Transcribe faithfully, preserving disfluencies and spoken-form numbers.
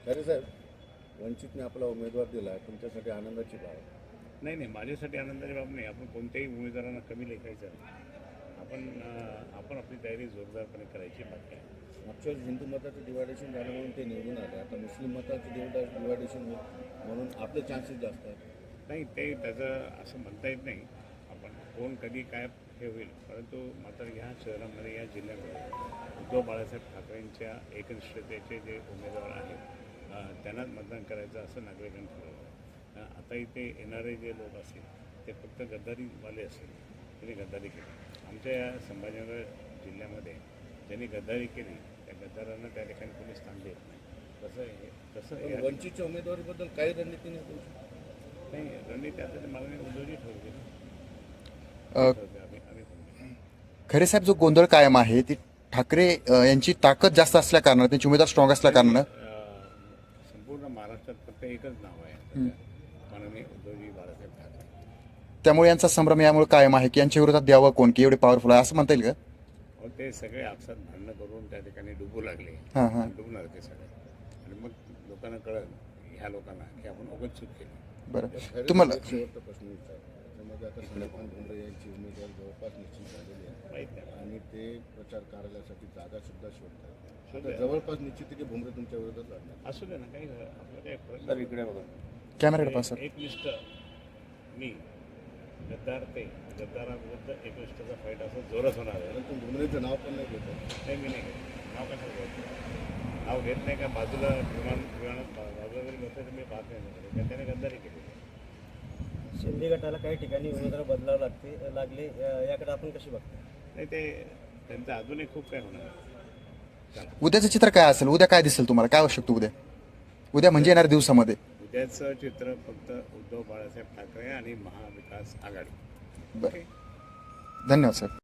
खरे साहेब, वंचितने आपला उमेदवार दिला, तुमच्यासाठी आनंदाची बाब आहे. नाही नाही माझ्यासाठी आनंदाची बाब नाही. आपण कोणत्याही उमेदवारांना कमी लेखायचं नाही. आपण अं, आपण आपली तयारी जोरदारपणे करायची बाकी आहे. मागच्या वेळेस हिंदू मताचं डिवायडेशन झालं म्हणून ते निवडून आले. आता मुस्लिम मताचं डिवायडेशन म्हणून आपले चान्सेस जास्त आहेत. नाही ते त्याचं असं म्हणता येत नाही. आपण कोण कधी काय हे होईल, परंतु मात्र ह्या शहरामध्ये या जिल्ह्यामध्ये उद्धव बाळासाहेब ठाकरेंच्या एकनिष्ठतेचे जे उमेदवार आहेत अं, त्यांनाच मतदान करायचं असं नागरिकांनी ठरवलं. अं, आता इथे येणारे जे लोक असतील ते फक्त गद्दारीवाले असतील, त्यांनी गद्दारी केली. आमच्या या संभाजीनगर जिल्ह्यामध्ये ज्यांनी गद्दारी केली त्या गद्दारांना त्या ठिकाणी कोणी स्थान देत नाही. तसं हे तसं पण या- वंचितच्या उमेदवारीबद्दल काही रणनीती नाही तुमची? नाही रणनीती आता ते मागणी उद्धवजी ठरवली ना. अ, ठरवली आम्ही आम्ही ठरवली. खरे साहेब, जो गोंधळ कायम आहे ती ठाकरे अ, यांची ताकद जास्त असल्या कारणानं, त्यांची उमेदवार स्ट्रॉंग असल्या कारणानं अं, संपूर्ण महाराष्ट्रात फक्त एकच नाव आहे सध्या, माननीय उद्धवजी बाळासाहेब ठाकरे. त्यामुळे यांचा संभ्रम यामुळे कायम आहे की यांच्या विरोधात द्यावं कोण, की एवढे पॉवरफुल आहे असं म्हणता येईल का? अहो, ते सगळे आपसात भांडणं करून त्या ठिकाणी डुबू लागले. हां हां डुबणार ते सगळे आणि मग लोकांना कळलं ह्या लोकांना की आपण उगाच चूक केली. बरं. खरे तुम्हाला साहेब, एक शेवटचा प्रश्न विचार. त्याच्यामध्ये आता संदीपान भुमरे यांची उमेदवारी जवळपास निश्चित झालेली आहे माहीत नाही. आणि ते प्रचार कार्यालयासाठी जागा सुद्धा शोधतात. शोधतात. आता जवळपास निश्चित आहे की भुमरे तुमच्या विरोधात लढणार. असू दे ना, काही आपलं काही फरक नाही. इकडे बघा. कॅमेराकडे पास सर. एकनिष्ठ मी गद्दार ते गद्दाराविरुद्ध एकनिष्ठाचा फाईट असं जोरात होणार आहे. परंतु भुमरेचं नाव पण नाही घेतात. नाही मी नाही घेत. नाव कशाला घ्यायचं? नाव घेत नाही का? बाजूला विमान विमानात बा- बाजूला जरी बसलं तर मी पाहत नाही ना. कारण त्याने गद्दारी केली. शिंदे गटाला काही ठिकाणी उमेदवार बदलावं लागते लागले अ, याकडे आपण कशी बघतो? नाही ते त्यांचं अजूनही खूप काय होणार आहे. चला. उद्याचं चित्र काय असेल? उद्या काय दिसेल तुम्हाला? काय आवश्यकता उद्या उद्या म्हणजे येणाऱ्या दिवसामध्ये? उद्याचं चित्र फक्त उद्धव बाळासाहेब ठाकरे आणि महाविकास आघाडी. बरं, धन्यवाद सर.